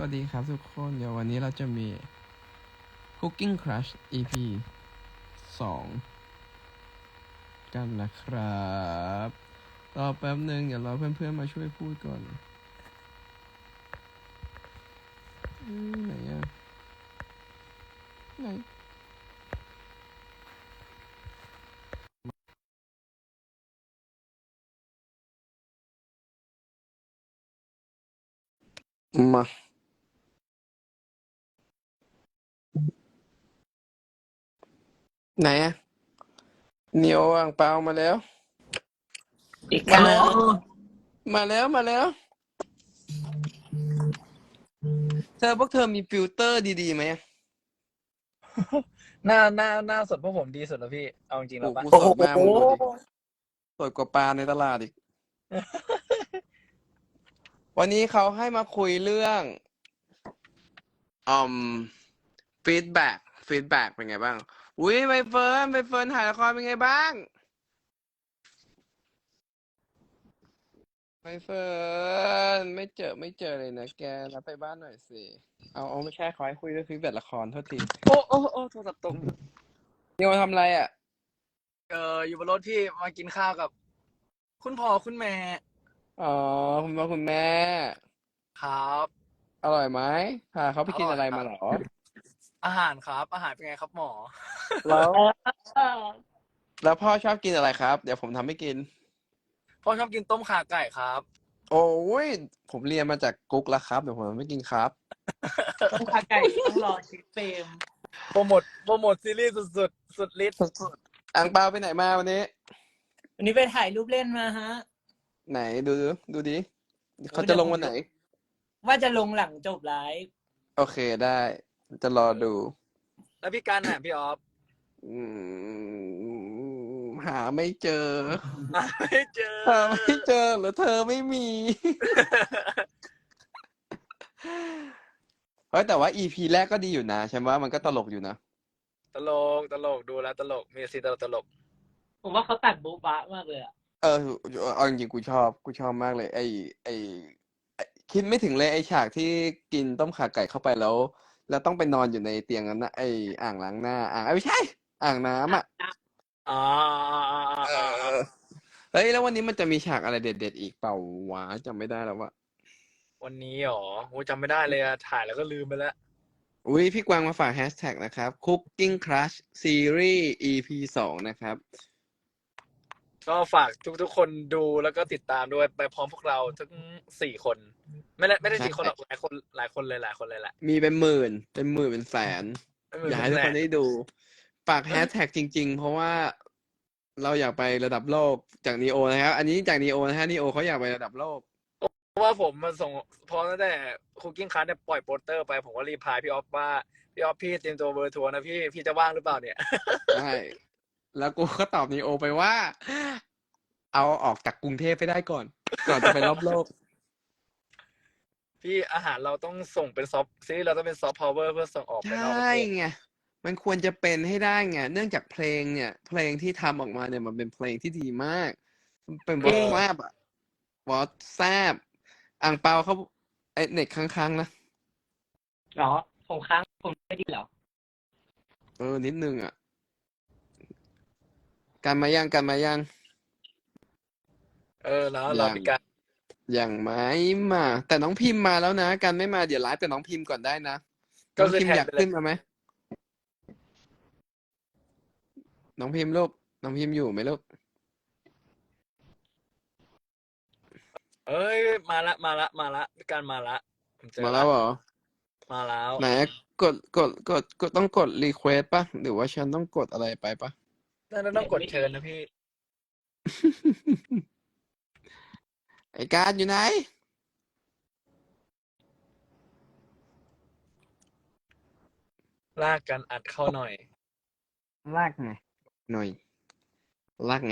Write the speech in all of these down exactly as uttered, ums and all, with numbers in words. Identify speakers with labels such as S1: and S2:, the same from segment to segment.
S1: วัสดีครับทุกคนเดี๋ยววันนี้เราจะมี Cooking Crush อี พี สอง กันนะครับรอแป๊บหนึ่งเดี๋ยวรอเพื่อนๆมาช่วยพูดก่อนอืมไหนอะไหนมาไหนอะเนียวอ่างเปามาแล้ว
S2: อีกค
S1: มา
S2: รั
S1: แล้ว
S2: บ
S1: มาแล้วมาแล้ว เธอพวกเธอมีฟิลเตอร์ดีๆไหม
S3: หน้าหน้าหน้าสดพวกผมดีสุดแล้วพี่ เอาจริงๆ
S1: โอ้
S3: แล้วปะ
S1: กู
S2: โอ้
S1: ส
S2: โห
S1: ดมากมึงดูดิสดกว่าปลาในตลาดอีก วันนี้เขาให้มาคุยเรื่องอืมฟีดแบ็กฟีดแบ็กเป็นไงบ้างอุ้ยใบเฟิร์นใบเฟิร์นถ่ายละครเป็นไงบ้างใบเฟิร์นไม่เจอไม่เจอเลยนะแกรับไปบ้านหน่อยสิเอาเอาไม่ใช่ขอให้คุยเรื่องฟีดแบ็กละครโทษที
S3: โอ้โอ้โอ้โทรศัพท์ตก
S1: นี่มาทำอะไรอ่ะ
S3: เอออยู่บนรถพี่มากินข้าวกับ คุณพ่อคุณแม่
S1: อ๋อคุณพ่อคุณแม่
S3: ครับ
S1: อร่อยไหมพาเขาไปกินอะไรมาเหรอ
S3: อาหารครับ อาหารเป็นไงครับหมอ
S1: แล้วแล้วพ่อชอบกินอะไรครับ เดี๋ยวผมทำให้กิน
S3: พ่อชอบกินต้มข่าไก่ครับ
S1: โอ้ยผมเรียนมาจากกุ๊กแล้วครับเดี๋ยวผมไม่กินครับ
S2: ต้มขาไก่ต้องรอชิปเฟรม
S3: โปรโมทโปรโมทซีรีส์สุดๆ สุดฤทธิ์
S1: สุดๆอังเปาไปไหนมาวันนี้
S2: วันนี้ไปถ่ายรูปเล่นมาฮะ
S1: ไหนดูดูดิเขาจะลงวันไหน
S2: ว่าจะลงหลังจบไลฟ์
S1: โอเคได้ จะรอดู
S3: แล้วพี่การน่ะพี่ออฟ
S1: อืมหาไม่เจอ
S3: หาไม่เจอ
S1: หาไม่เจอหรือเธอไม่มี เฮ้ยแต่ว่าอีพีแรกก็ดีอยู่นะฉันว่ามันก็ตลกอยู่นะ
S3: ตลกตลกดูแล้วตลกมีซีนตลกตลก
S2: ผมว่าเขาตัดโบ๊ะบะมากเลยอะ
S1: เออเอาจริงๆกูชอบกูชอบมากเลย ไอไอไอ้คิดไม่ถึงเลยไอฉากที่กินต้มข่าไก่เข้าไปแล้ว แล้วต้องไปนอนอยู่ในเตียงนั้นนะไออ่างล้างหน้า อ่างเอ้ยไม่ใช่ อ่างน้ำอ่ะ
S3: อ๋อ
S1: เออเฮ้ยแล้ววันนี้มันจะมีฉากอะไรเด็ดๆอีกเปล่าวะจำไม่ได้แล้ววะ
S3: วันนี้หรอโอ้จำไม่ได้เลยอะถ่ายแล้วก็ลืมไปแล้ว
S1: อุ้ยพี่กวางมาฝากแฮชแท็กนะครับ Cooking Crush Series อี พี สองนะครับ
S3: ก็ฝากทุกๆคนดูแล้วก็ติดตามด้วยไปพร้อมพวกเราทั้งสี่คน ไม่ได้ไม่ได้สี่คนหรอกหลายคนหลายคนเลยหลายคนเลยแหละ
S1: มีเป็นหมื่น เป็นหมื่นเป็นแสน
S3: ไม่เหมือน
S1: อยากให้ทุกคน
S3: แส
S1: ได้ดู ฝากแฮชแท็กจริง ๆ เพราะว่าเราอยากไประดับโลกจากนีโอนะครับ อันนี้จากนีโอนะฮะนีโอเขาอยากไประดับโลก
S3: เพราะว่าผมมาส่งพอตั้งแต่คุกกิ้งคัสเนี่ยปล่อยโปสเตอร์ไปผมก็รีพลายพี่ออฟว่าพี่ออฟพี่เตรียมตัวเบอร์ทัวร์นะพี่พี่จะว่างหรือเปล่าเนี่ย
S1: ใช่ แล้วกูก็ตอบนีโอไปว่า เอาออกจากกรุงเทพไปได้ก่อน ก่อนจะไปรอบโลก
S3: พี่อาหารเราต้องส่งเป็นซอฟต์ซีรีส์เราต้องเป็นซอฟต์พาวเวอร์เพื่อส่งออกไป
S1: ใช
S3: นอกประ
S1: ่
S3: เทศ
S1: ไง มันควรจะเป็นให้ได้ไง เนื่องจากเพลงเนี่ย เพลงที่ทำออกมาเนี่ยมันเป็นเพลงที่ดีมาก มันเป็นวอตแซบอะวอตแซบอ่างเปาเขาไอเน็ตค้างๆนะ
S2: เหรอผมค้างผมไม่ดีเหรอ
S1: เออ นิดนึงอ่ะ กันมายังกันมายัง
S3: เออแล้ว
S1: ยั
S3: เรา
S1: ง
S3: มีการ
S1: ยังไม่มา แต่น้องพิมพ์มาแล้วนะ กันไม่มาเดี๋ยวไลฟ์กับน้องพิมพ์ก่อนได้นะ
S3: ก็
S1: น้อง
S3: คือ
S1: พิมพ์
S3: แทน
S1: อยาก
S3: ไปเล
S1: ขึ้
S3: ย
S1: นมาไหม น้องพิมพ์ลูก น้องพิมพ์อยู่ไหมลูก
S3: เอ้ยมาละมาละมาละมีการมาละผมเจอ
S1: มา
S3: ละ
S1: แล้วเหรอ
S3: มาแล้ว
S1: ไหนกดกดกดกดต้องกดรีเควสป่ะ หรือว่าฉันต้องกดอะไรไปป่ะ
S3: นั่นต้องกดเชิญนะพี่
S1: ไอ้การอยู่ไหน
S3: ลากกันอัดเข้าหน่อย
S1: ลากไง หน่อย ลากไง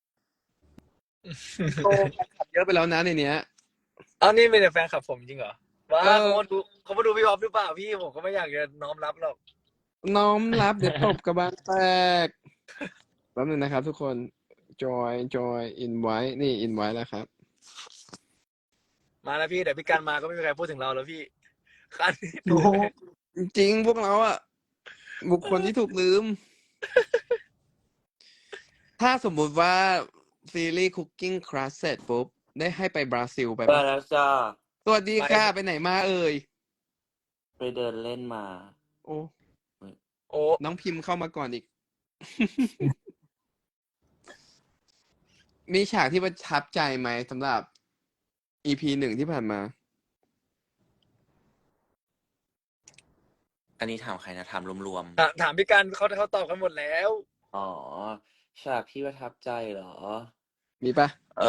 S1: โตขับเยอะไปแล้วนะในเนี้ย
S3: เอานี่เป็นแต่แฟนคลับผมจริงเหรอว้า
S1: เออ
S3: เขามาดูเขามาดูพี่ออฟหรือเปล่าพี่ผมก็ไม่อยากจะน้อมรับหรอก
S1: น้อมรับเดี๋ยวตบกระบาลแตกแป๊บนึงนะครับทุกคน จอยจอยอินไว้นี่อินไว้แล้วครับ
S3: มาแล้วพี่เดี๋ยวพี่การมาก็ไม่มีใครพูดถึงเราแล้วพี่คัน
S2: โอ้โห
S1: จริงๆพวกเราอะบุคคลที่ถูกลืม ถ้าสมมุติว่าซีรีส์ Cooking Class เสร็จปุ๊บ ได้ให้ไปบราซิลไป
S4: ไป
S1: ปะ
S4: แล้วจ้า
S1: สวัสดีค่ะ ไปไหนมาเอ่ย
S4: ไปเดินเล่นมา
S1: โอ้
S3: โอ้
S1: น้องพิมพ์เข้ามาก่อนอีก มีฉากที่ประทับใจไหมสำหรับ อี พี หนึ่งที่ผ่านมา
S4: อันนี้ถามใครนะถามรวม
S3: ถามถามพี่การเขาเขาตอบกันหมดแล้ว
S4: ๆ อ๋อ ฉากที่ประทับใจเหรอ
S1: มีปะ
S4: เอ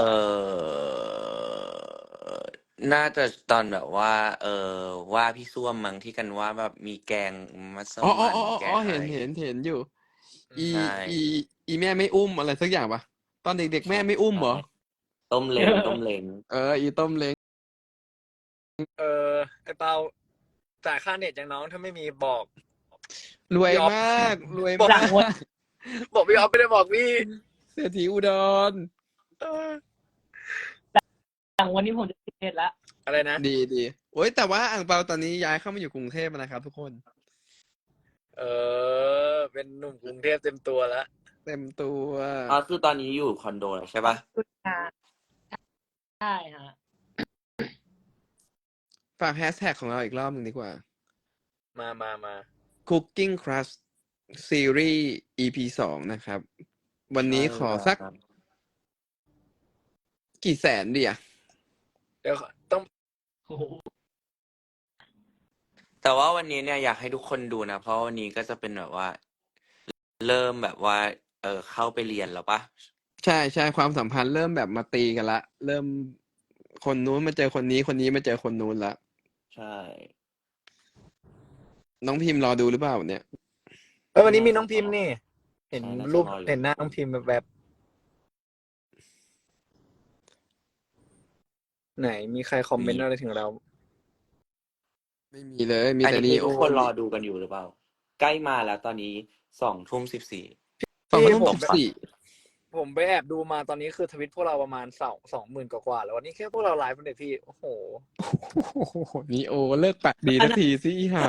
S4: อ น่าจะตอนแบบว่า เออว่าพี่ส้วมมั้งที่กันว่าแบบมีแกงมัส
S1: อ๋ออ๋อ
S4: มั่น
S1: อ๋อ
S4: แก
S1: อ๋อง
S4: อะ
S1: เห็น
S4: ไร
S1: เห็นเห็นอยู่ อี
S4: ใช่
S1: อี อีแม่ไม่อุ้มอะไรสักอย่างปะตอนเด็กๆแม่ไม่อุ้มเหรอ
S4: ต้มเล้งต้มเล้ง
S1: เออ อีต้มเล้ง
S3: เออไอเปาจ่ายค่าเน็ตอย่างน้องถ้าไม่มีบอก
S1: รวย
S3: พี่อ๊อฟ
S1: มาก รวย
S3: บอก
S1: มาก
S3: บอกพี่ออฟไม่ได้บอกพี่
S1: เศรษฐีอุดร
S3: เออ
S2: หลังวันนี้ผมจะติดเน็ตละ
S3: อะไรนะ
S1: ดีดีโอ้ยแต่ว่าอ่างเปาตอนนี้ย้ายเข้ามาอยู่กรุงเทพแล้วนะครับทุกคน
S3: เออ เป็นหนุ่มกรุงเทพเต็มตัวแล้ว
S1: เต็มตัว
S4: อ๋อคือตอนนี้อยู่คอนโดแล้วใช่ปะ
S2: ใช่ฮะ
S1: ฝากแฮชแท็กของเราอีกรอบหนึ่งดีกว่า
S3: มามามา
S1: Cooking Crush Series อี พี สองนะครับ วันนี้ขอสัก
S4: ใช่ครับ
S1: กี่แสนดีอะ
S3: เดี๋ยวต้อง
S2: โอ้โห
S4: แต่ว่าวันนี้เนี่ยอยากให้ทุกคนดูนะ เพราะวันนี้ก็จะเป็นแบบว่า เริ่มแบบว่า เออเข้าไปเรียนแล้วปะ
S1: ใช่ใช่ความสัมพันธ์เริ่มแบบมาตีกันละ เริ่มคนนู้นมาเจอคนนี้คนนี้มาเจอคนนู้นละ
S4: ใช่
S1: น้องพิมพ์รอดูหรือเปล่าเนี่ย
S3: เออวันนี้มีน้องพิมพ์นี่ เห็น
S4: ใช่น่าจะ
S3: รูป
S4: รออยู่
S3: เห็นหน้าน้องพิมพ์แบบ ไหนมีใครคอมเมนต์อะไรถึงเรา
S1: ไม่มีเลย มี
S4: อัน
S1: แต่
S4: นี้
S1: นี
S4: คือ
S1: โอ
S4: ทุกคนรอดูกันอยู่หรือเปล่า ใกล้มาแล้วตอนนี้สองทุ่มสิบสี่
S1: สอง
S3: พี่
S1: ทุ่ม
S3: ผม
S1: สิบสี่
S3: ผมไปแอบดูมาตอนนี้คือทวิตพวกเราประมาณสองสองหมื่นกว่าๆแล้ววันนี้แค่พวกเราไลฟ์เนี่ยพี่ โอ้โห
S1: โอ้โหนีโอเลิกปากดีสักทีสิอีห่า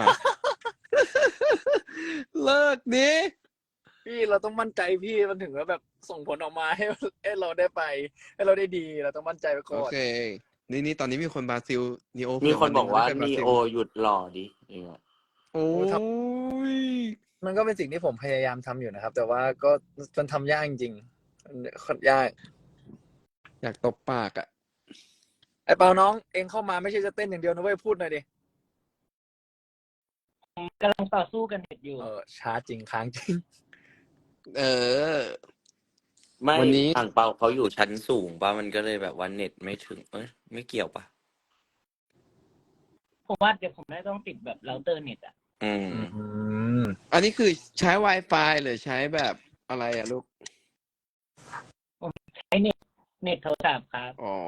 S1: เลิกดิ
S3: พี่เราต้องมั่นใจพี่มันถึงว่าแบบส่งผลออกมาให้ให้เราได้ไป ให้เราได้ดีเราต้องมั่นใจไปก่
S1: โอ
S3: อน
S1: เค นี่นี่ตอนนี้มีคนบราซิลนีโอ
S4: มีคนบอกว่า
S1: เผื่
S4: นี
S1: น
S4: โอ
S1: หง
S4: หยุดหล่อดิอย่างเงี้ย
S1: โอ้ย
S3: มันก็เป็นสิ่งที่ผมพยายามทำอยู่นะครับ แต่ว่าก็มันทำยากจริงๆมันค่อนยาก
S1: อยากตบปากอ่ะ
S3: ไอ้เปาน้องเองเข้ามาไม่ใช่จะเต้นอย่างเดียวนะเว้ยพูดหน่อยดิ
S2: กำลังต่อสู้กันเน็ตอยู่
S3: เออช้าจริงค้างจริง
S1: เออ
S4: ไม่
S1: วันนี้
S4: อ่างเปาเขาอยู่ชั้นสูงปะมันก็เลยแบบว่าเน็ตไม่ถึงเอ้ยไม่เกี่ยวปะ
S2: ผมว่าเดี๋ยวผมน่าจะต้องติดแบบเราเตอร์เน็ตอ่ะ
S4: อืม
S3: อืม
S1: อันนี้คือใช้ Wi-Fi หรือใช้แบบอะไรอ่ะลูก
S2: ใช้เน็ตเน็ตโทรศัพท์ครับ
S1: อ๋อ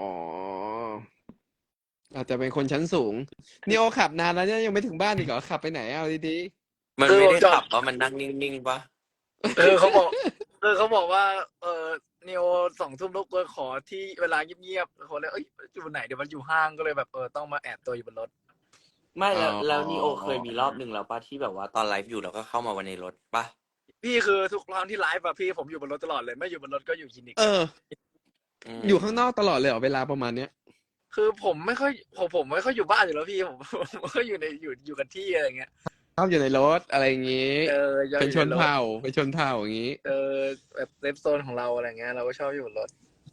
S1: อาจจะเป็นคนชั้นสูงนีโอขับนานแล้วเนี่ยยังไม่ถึงบ้านอีกเหรอขับไปไหนเอาดี
S4: มันไม่ได้ขับปะมันนั่งนิ่งๆปะ
S3: เออเขาบอกเออเขาบอกว่า เออเนโอสองทุ่มรบกวนขอที่เวลาเงียบๆเขาเลยเอ้ยอยู่ไหนเดี๋ยวมันอยู่ห้างก็เลยแบบเออต้องมาแอบตัวอยู่บนรถ
S4: ไม่แล้วแล้วนีโอเคยมีรอบหนึ่งแล้วปะที่แบบว่าตอนไลฟ์อยู่แล้วก็เข้ามาวันในรถปะ
S3: พี่คือทุกครั้งที่ไลฟ์อะพี่ผมอยู่บนรถตลอดเลยไม่อยู่บนรถก็อยู่คลินิก
S1: ๆ เออ
S4: ม
S1: อยู่ข้างนอกตลอดเลยเหรอเวลาประมาณเนี้ย
S3: คือผมไม่ค่อยผมผมไม่ค่อยอยู่บ้านอยู่แล้วพี่ผมผมก็อยู่ในอยู่อยู่กับที่อะไรเงี้ย
S1: ชอบอยู่ในรถอะไรอย่างงี้
S3: เออยัง
S1: เป็นชน
S3: อยู่ใรถ
S1: เผ่าเป็นชนเผ่าอย่างงี้
S3: เออแบบเซฟโซนของเราอะไรเงี้ยเราก็ชอบอยู่บนรถ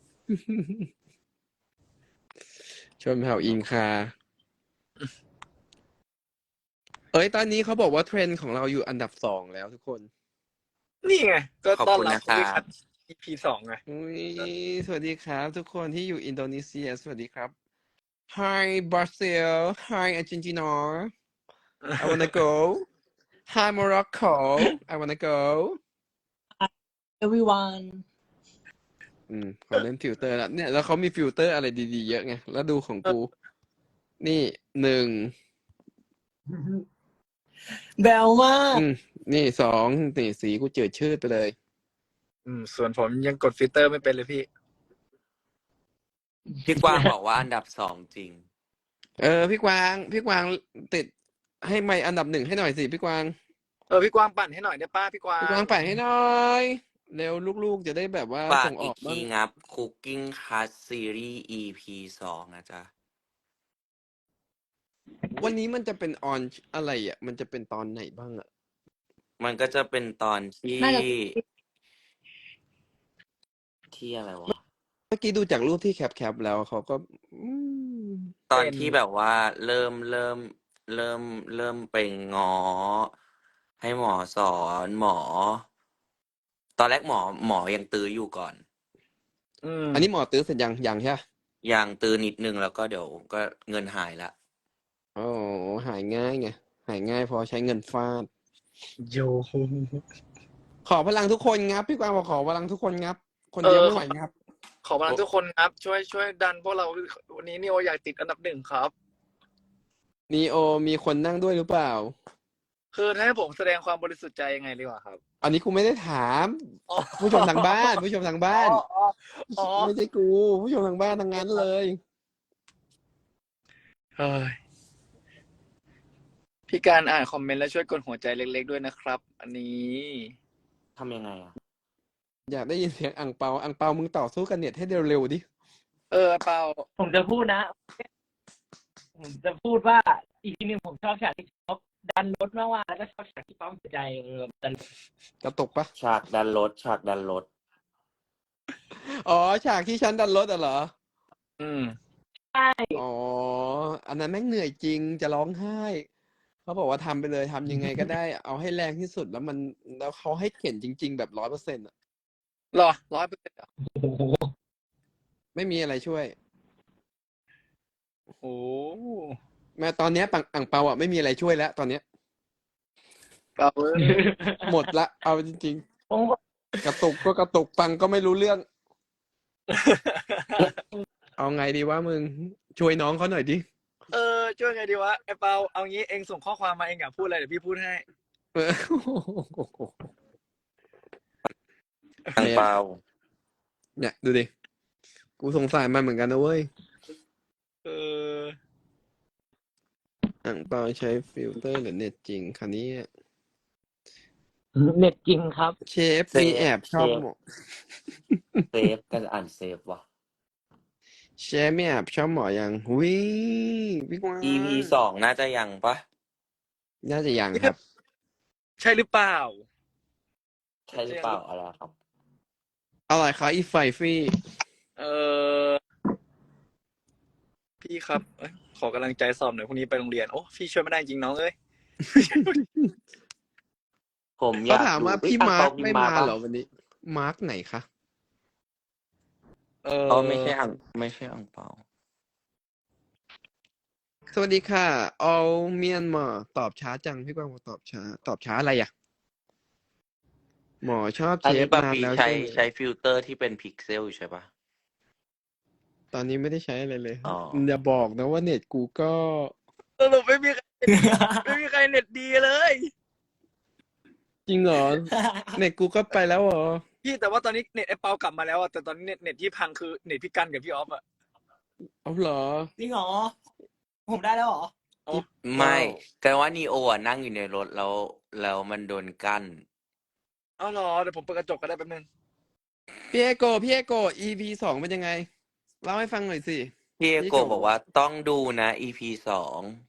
S1: ชนเผ่าอินคา เอ้ยตอนนี้เขาบอกว่าเทรนด์ของเราอยู่อันดับสองแล้วทุกคน
S3: นี่ไงก็
S4: ขอบ
S3: ต้อน
S4: คุณ
S3: รับ
S4: นะค
S3: พี่
S4: รั
S3: คั
S4: บ
S3: ด อี พี สองไง
S1: อุ้ยสวัสดีครับ ทุกคนที่อยู่อินโดนีเซีย สวัสดีครับ Hi Brazil Hi Argentina I wanna go Hi Morocco I wanna go
S2: everyone
S1: อืมเขาเล่นฟิลเตอร์แล้วเนี่ยแล้วเขามีฟิลเตอร์อะไรดีๆเยอะไง แล้วดูของกู นี่หนึ่ง
S2: แบลมาก
S1: อืมนี่สองนี่สีกูเจิดชืดไปเลย
S3: อืมส่วนผมยังกดฟิลเตอร์ไม่เป็นเลยพี่
S4: พี่กวางบอกว่าอันดับสองจริง
S1: เออพี่กวาง พี่กวางติดให้ไมค์อันดับหนึ่งให้หน่อยสิพี่กวาง
S3: เออพี่กวางปั่นให้หน่อยได้ป้าพี่กวา
S1: พี่
S3: ง
S1: กวางปั่นให้หน่อย เร็วลูกๆ จะได้แบบว่า
S4: ฝาก
S1: ส่งอ
S4: อี
S1: อก ก
S4: ที
S1: บ้าง
S4: งับ Cooking Class Series อี พี สองนะจ๊ะ
S1: วันนี้มันจะเป็นออนอะไรอ่ะ มันจะเป็นตอนไหนบ้างอ่ะ
S4: มันก็จะเป็นตอนที่
S2: น่าจะ
S4: ที่อะไรวะ
S1: เมื่อกี้ดูจากรูปที่แคปๆแล้วเขาก็อืม
S4: ตอน
S3: เป็น
S4: ที่แบบว่าเริ่มเริ่มเริ่มเริ่มไปง้อ ให้หมอสอนหมอ ตอนแรกหมอหมอยังตื้ออยู่ก่อน
S3: อืม
S1: อันนี้หมอตื้อเสร็จยังยังใช่ปะ
S4: ยังตื้อนิดนึงแล้วก็เดี๋ยวก็เงินหายละ
S1: โอ้หายง่ายไงหายง่ายเพอใช้เงินฟาด
S3: โย
S1: ขอพลังทุกคนงับ พี่กวางบอกขอพลังทุกคนงับ คน
S3: เอ
S1: เดียว
S3: อ
S1: ไม่
S3: ข
S1: ไห
S3: อ
S1: วงับ
S3: ขอพลังทุกคนครับ ช่วยช่วยดันพวกเราวันนี้นิโออยากติดอันดับหนึ่งครับ
S1: นีโอมีคนนั่งด้วยหรือเปล่า
S3: คือถ้าให้ผมแสดงความบริสุทธิ์ใจยังไงดีกว่าครับ
S1: อันนี้กูไม่ได้ถาม
S3: อ๋อ
S1: ผู้ชมทางบ้าน ผู้ชมทางบ้าน
S3: อ๋ออ๋ออ๋อ
S1: ไม่ใช่กู ผู้ชมทางบ้านทั้งนั้นเลย
S3: เฮ้ยพี่การอ่านคอมเมนต์แล้วช่วยกดหัวใจเล็กๆด้วยนะครับ อันนี้
S4: ทำยังไงอ่ะ
S1: อยากได้ยินเสียงอ่งเปาอ่งเปามึงต่อสู้กันเน็ตให้เร็วๆดิ
S3: เออเปล่า
S2: ผมจะพูดนะ ผมจะพูดว่าอีกทีหนึงผมชอบฉากที่เขาดันรถมากๆแล้วก็ชอบฉากที่ปั๊มหัวใจเออดัน
S1: กระตุกปะ
S4: ฉากดันรถฉากดันรถ
S1: อ๋อ ฉากที่ฉันดันรถอ่ะเหรอ
S3: อืม
S2: ใช่
S1: อ๋อ อันนั้นแม่งเหนื่อยจริง จะร้องไห้ เขาบอกว่าทำไปเลยทำยังไงก็ได้ เอาให้แรงที่สุดแล้วมันแล้วเขาให้เข็นจริง ๆ แบบร้อยเปอร์เซ็นต์อ่ะ
S3: หรอร้อยเปอร์เซ็นต์อ่ะ
S2: โอ้โห
S1: ไม่มีอะไรช่วย
S3: โอ้โห
S1: แม้ตอนเนี้ยปังอ่างเปาอ่ะไม่มีอะไรช่วยแล้ว ตอนเนี้ย
S3: เปล่าเอ้ย
S1: หมดละ เอาจริง
S2: ผมก็
S1: ๆ กระตุกก็กระตุกปังก็ไม่รู้เรื่อง เอาไงดีวะมึง ช่วยน้องเขาหน่อยดิ
S3: เออช่วยไงดีวะไอ้เปาเอางี้เองส่งข้อความมาเองอยากพูดอะไรเดี๋ยวพี่พูดให้
S1: เออ
S4: อังเปา
S1: เนี่ยดูดิ กูสงสารมันเหมือนกันนะเว้ย
S3: เออ
S1: อ่างเปาใช้ฟิลเตอร์หรือเน็ตจริงคันนี้
S2: เน็ตจริงครับ
S1: เชฟมีแอบชอบหมอ
S4: เซฟกันอ่านเซฟว่ะ
S1: เชฟมีแอบชอบหมอยังหุยพี่กวาง
S4: อี พี สองน่าจะยังปะ
S1: น่าจะยังครับ
S3: ใช่หรือเปล่า
S4: ใช่หรือเปล่าอะไรครับ
S1: อะไรคะอีไฟฟี่
S3: เออพี่ครับเอ้ยขอกำลังใจสอบหน่อยพรุ่งนี้ไปโรงเรียนโอ้พี่ช่วยไม่ได้จริงน้องเอ้ย
S4: ผมอ
S1: เขา
S4: ยาก
S1: ถามว่า
S4: ดู
S1: พี่
S4: เอ้ย
S1: มา
S4: อั
S1: ร์
S4: ง
S1: ค
S4: เปา
S1: ไม่
S4: พิ
S1: มา
S4: ปะ
S1: เหรอวันนี้ มาร์คไหนคะ
S3: เออ
S4: เขาไม่ใช่อังไม่ใช่อังเปา
S1: สวัสดีค่ะ all เมียนมาตอบช้าจังพี่กวางบอกตอบช้า ตอบช้าอะไรอ่ะ หมอชอบ
S4: อั
S1: เช
S4: นนี้
S1: ฟ
S4: ปะ
S1: นาน
S4: ปี
S1: แล้ว
S4: ใช้
S1: ใช่ไหม
S4: ใช้ฟิลเตอร์ที่เป็นพิกเซลอยู่ใช่ปะ
S1: ตอนนี้ไม่ได้ใช้อะไรเลย
S4: อ๋อ
S1: อย่าบอกนะว่าเน็ตกูก็
S3: สรุปไม่มีใครไม่มีใครเน็ตดีเลย
S1: จริงเหรอ เน็ตกูก็ไปแล้วเหรอ
S3: พี่แต่ว่าตอนนี้เน็ตไอ้เปากลับมาแล้วอะแต่ตอนนี้เน็ตเน็ตที่พังคือเน็ตพี่กันกับพี่ออฟอะ
S1: เอาเหรอ
S2: จริงเหรอ ผมได้แล้วเหรอ
S4: ไม่แต่ว่านีโออ่ะนั่งอยู่ในรถแล้ว แล้วมันโดนกั้น
S3: เอาเหรอเดี๋ยวผมเปิดกระจกก็ได้แป๊บนึง
S1: พี่เอโกพี่เอโก อี พี สองเป็นยังไง เล่าให้ฟังหน่อยสิ
S4: พี่เอ
S1: พี่
S4: โก
S1: โก
S4: บอกว่าต้องดูนะ อี พี สอง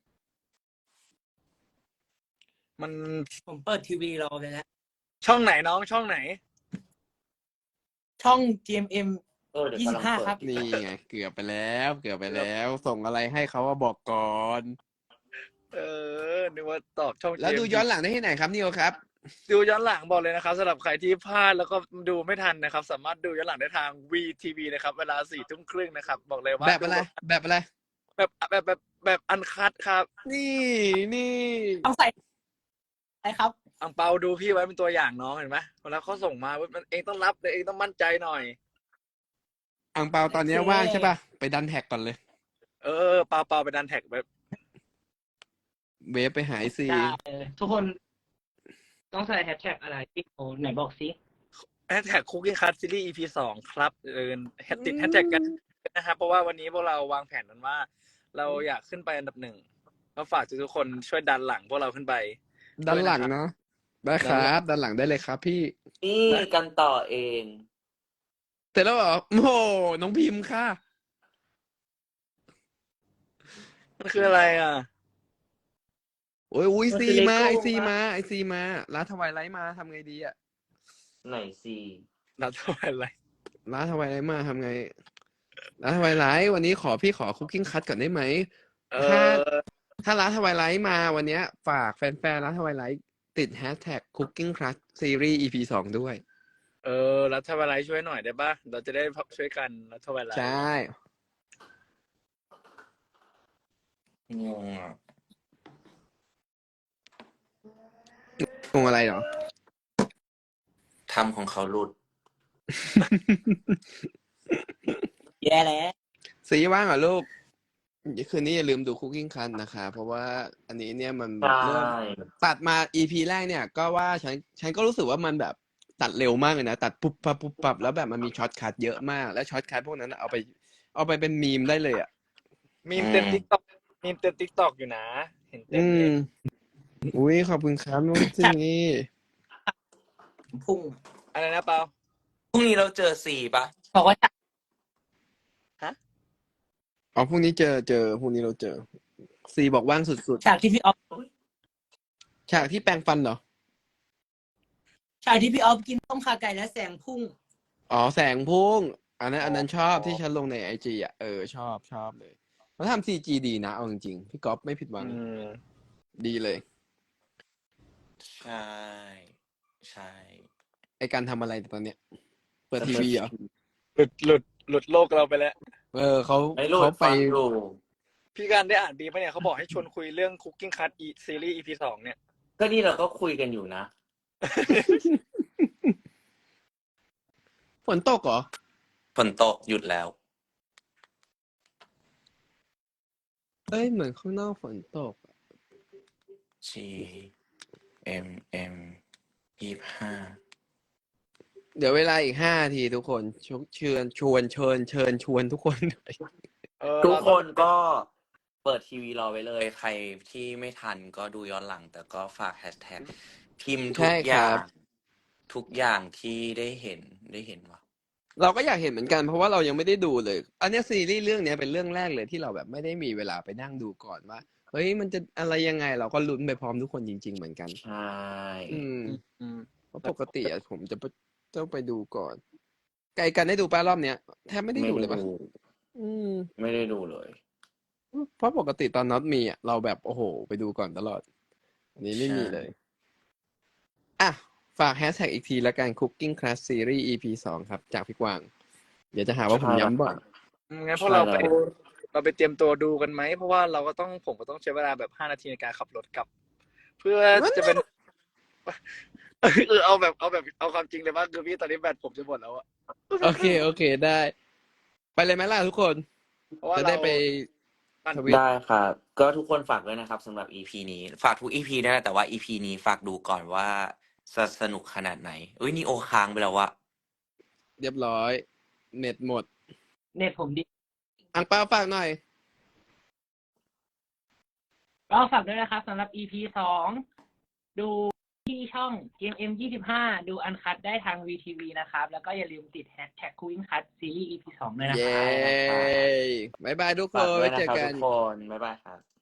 S3: มัน
S2: ผมเปิดทีวีรอเลยแล้ว
S3: ช่องไหนน้องช่องไหน
S2: ช่อง จี เอ็ม เอ็ม
S4: เออเดี๋ยว
S2: ยี่
S4: กำ
S2: สิ
S4: ลัง
S2: บห้า
S4: เปิด
S2: ครับ
S1: นี่ไง เกือบไปแล้ว เกือบไปแล้ว ส่งอะไรให้เขาว่าบอกก่อน
S3: เออนึกว่าตอบช่อง
S1: แล้ว
S3: เจม
S1: ดู
S3: ส์
S1: ย้อนหลังได้ที่ไหนครับนิโอครับ
S3: ดูย้อนหลังบอกเลยนะครับสำหรับใครที่พลาดแล้วก็ดูไม่ทันนะครับ สามารถดูย้อนหลังได้ทาง วี ที วี นะครับ เวลาสี่ทุ่มครึ่งนะครับ บอกเลยว่า
S1: แบบอะไร แบบอะไร
S3: แบบแบบแบบแบบอันคัดครับ
S1: นี่นี่
S2: ต้องใส่อะไรครับ
S3: อังเปาดูพี่ไว้เป็นตัวอย่างน้องเห็นไหมเวลาเขาส่งมาเว้ยมันเองต้องรับเลยเองต้องมั่นใจหน่อย
S1: อ่างเปาตอนนี้
S2: โอเค
S1: ว่างใช่ป่ะ ไปดันแท็กก่อนเลย
S3: เออเปาเปาไปดันแท็กแบบ
S1: เวฟไปหายซี
S2: ได้เลยทุกคนต้องใส่แฮชแท็กอะไรที่โอ้ไหนบอกสิ
S3: แฮชแท็กคุกกิ้งคัทซีรีส์ อี พี สองครับเออแฮชติดแฮชแท็กกันนะครับเพราะว่าวันนี้พวกเราวางแผนกันว่า เราอยากขึ้นไปอันดับหนึ่งก็ฝากทุกๆคนช่วยดันหลังพวกเราขึ้นไป
S1: ด้านหลัง
S3: ด้วยนะครับ
S1: เนาะได้ครับด้านหลังได้เลยครับพี่
S4: นี่กันต่อเอง
S1: เสร็จแล้วเหรอโอ้โหน้องพิมพ์ค่ะ
S3: มันคืออะไรอ่ะ
S1: โอ้ยอุ้ย
S2: มัน
S1: ซี
S2: คือ
S1: มา
S2: Lego
S1: ไอซี
S2: ปะ
S1: มาไอซีมาร้านทวายไลท์มาทำไงดีอะ
S4: ไหนสิ
S3: เราทำอะไร
S1: ร้านทวายไลท์มาทำไงร้านทวายไลท์วันนี้ขอพี่ขอคุกกิ้งคัทก่อนได้ไหม
S3: เอ
S1: ถ้า
S3: อ
S1: ถ้าร้านทวายไลท์มาวันเนี้ย ฝากแฟนๆร้านทวายไลท์ติดแฮชแท็กคุกกิ้งคัทซีรีส์ อี พี สองด้วย
S3: เออรัฐบาลไลท์ช่วยหน่อยได้ป่ะ เราจะได้ช่วยกันรัฐบาลไลท์
S1: ใช่
S4: งงอ่ะ
S1: งงอะไรเหรอ
S4: ทำของเขาหลุด
S2: แย่แล้ว
S1: สีว่างเหรอลูกคืนนี้อย่าลืมดูคุกกิ้งคัทนะคะ เพราะว่าอันนี้เนี่ยมัน
S4: ใช่
S1: เริ่มตัดมา อี พี แรกเนี่ย ก็ว่าฉันฉันก็รู้สึกว่ามันแบบตัดเร็วมากเลยนะ ตัดปุ๊บปั๊บปุ๊บปั๊บแล้วแบบมันมีช็อตคัทเยอะมาก แล้วช็อตคัทพวกนั้นนะเอาไป เอาไปเป็นมีมได้เลยอ่ะ
S3: มีมเต็ม
S4: อืม
S3: ติ๊กต็อกมีมเต็มติ๊กต็อกอยู่นะ เห็นเต็ม
S1: อื
S3: เล
S1: ม
S3: ย
S1: อุ้ยขอบคุณครับน้องซี
S4: พรุ่ง
S3: อะไรนะเปา
S4: พรุ่งนี้เราเจอสี่ปะ
S2: บอกว่า
S1: อ๋อพรุ่งนี้เจอเจอพรุ่งนี้เราเจอซีบอกว่างสุด
S2: ฉากที่พี่ออฟ
S1: ๆ ฉากที่แปรงฟันเหรอ
S2: ฉากที่พี่ออฟกินต้มขาไก่และแสงพุ่ง
S1: อ๋อแสงพุ่ง อันนั้น อันนั้นชอบ
S3: อ๋อ
S1: ที่ฉันลงในไอจีอ่ะ เออชอบชอบเลยเขาทำซีจีดีนะเอาจริงๆพี่ก๊อฟไม่ผิดหวัง
S3: อืม
S1: ดีเลย
S4: ใช่ ใช่
S1: ไอการทำอะไรตอนเนี้ย เปิดทีวีเหรอ
S3: หลุดหลุดหลุดโลกเราไปแล้ว
S1: เออเขา
S4: ไม่หลุด
S1: เขาไป
S4: ฟังอยู่
S3: พี่การได้อ่านดีปะเนี่ยเขาบอกให้ชวนคุยเรื่อง Cooking Cut อีซีรีส์ อี พี สองเนี่ย
S4: ก็นี่เราก็คุยกันอยู่นะ
S1: ฝนตกเหรอ
S4: ฝนตกหยุดแล้ว
S1: เอ้ยเหมือนข้างนอกฝนตก
S4: G M M ยี่สิบห้า
S1: เดี๋ยวเวลาอีกห้านาทีทุกคนชวเชิญชวนเชิญเชิญชวนทุกคนหน่อย
S3: เออ
S4: ทุก
S3: เรา
S4: ค
S3: ต้อง
S4: นก็เปิดทีวีรอไว้เลย ใครที่ไม่ทันก็ดูย้อนหลัง แต่ก็ฝากแฮชแท็กพิมพ์ทุ
S1: ใช่
S4: ก
S1: ค
S4: อย่า
S1: รั
S4: ง
S1: บ
S4: ทุกอย่างที่ได้เห็นได้เห็นวะ
S1: เราก็อยากเห็นเหมือนกันเพราะว่าเรายังไม่ได้ดูเลย อันเนี้ยซีรีส์เรื่องเนี้ยเป็นเรื่องแรกเลยที่เราแบบไม่ได้มีเวลาไปนั่งดูก่อนว่าเฮ้ยมันจะอะไรยังไงเราก็ลุ้นไปพร้อมทุกคนจริง ๆ เหมือนกัน
S4: ใช่
S1: อืม
S3: อืม
S1: เพราะปกติอะผมจะไปต้องไปดูก่อน ไกลกันได้ดูป้ารอบเนี้ยแทบไม่ได้
S4: ไม่
S1: ดูเลยปะ
S4: ดู
S1: อืม
S4: ไม่ได้ดูเลย
S1: เพราะปกติตอนน็อตมีอะเราแบบโอ้โห ไปดูก่อนตลอด อันนี้ไม่มีเลย อ่ะ ฝากแฮชแท็กอีกทีละกัน Cooking Class Series อี พี สองครับ จากพี่กวาง เดี๋ยวจะหาว่าผมย้ำบ่อย
S3: งั้นพวกเราไป
S4: ใช่แล้ว
S3: เราไปเตรียมตัวดูกันไหม เพราะว่าเราก็ต้องผมก็ต้องใช้เวลาแบบห้านาทีในการขับรถกลับ เพื่อจะเป็น เออเอาแบบเอาแบบเอาความจริงเลยว่าคือพี่ตอนนี้แบตผมจะหมดแล้วอะ
S1: โอเค โอเคได้ ไปเลยไหมล่ะทุกคน
S3: เพราะว่า
S1: จะ
S3: เรา
S1: ได้ไป
S3: ปั่น
S1: ทวิต
S4: ได้ครับ ก็ทุกคนฝากด้วยนะครับสำหรับ อี พี นี้ ฝากทุก อี พี นะแต่ว่า อี พี นี้ฝากดูก่อนว่าจะสนุกขนาดไหนเอ้ยนี่โอค้างไปแล้ววะ
S1: เรียบร้อย เน็ตหมด
S2: เน็ตผมดี
S1: อังเปาฝากหน่อย
S2: ก็ฝากด้วยนะครับสำหรับ อี พี สองดูที่ช่อง เอ็ม เอ็ม ยี่สิบห้า ดูอันคัดได้ทาง วี ที วี นะครับ แล้วก็อย่าลืมติดแฮชแท็ก Cooking Cut ซีรีส์ อี พี สองด้วยนะค
S1: เย้
S2: รับ
S1: บายบายทุกค
S4: ฝาก
S1: น
S4: ด้ว
S1: ไว้
S4: ยนะ
S1: เจอ
S4: ครับ
S1: กั
S4: ทุ
S1: น
S4: กคนบ๊ายบายครับ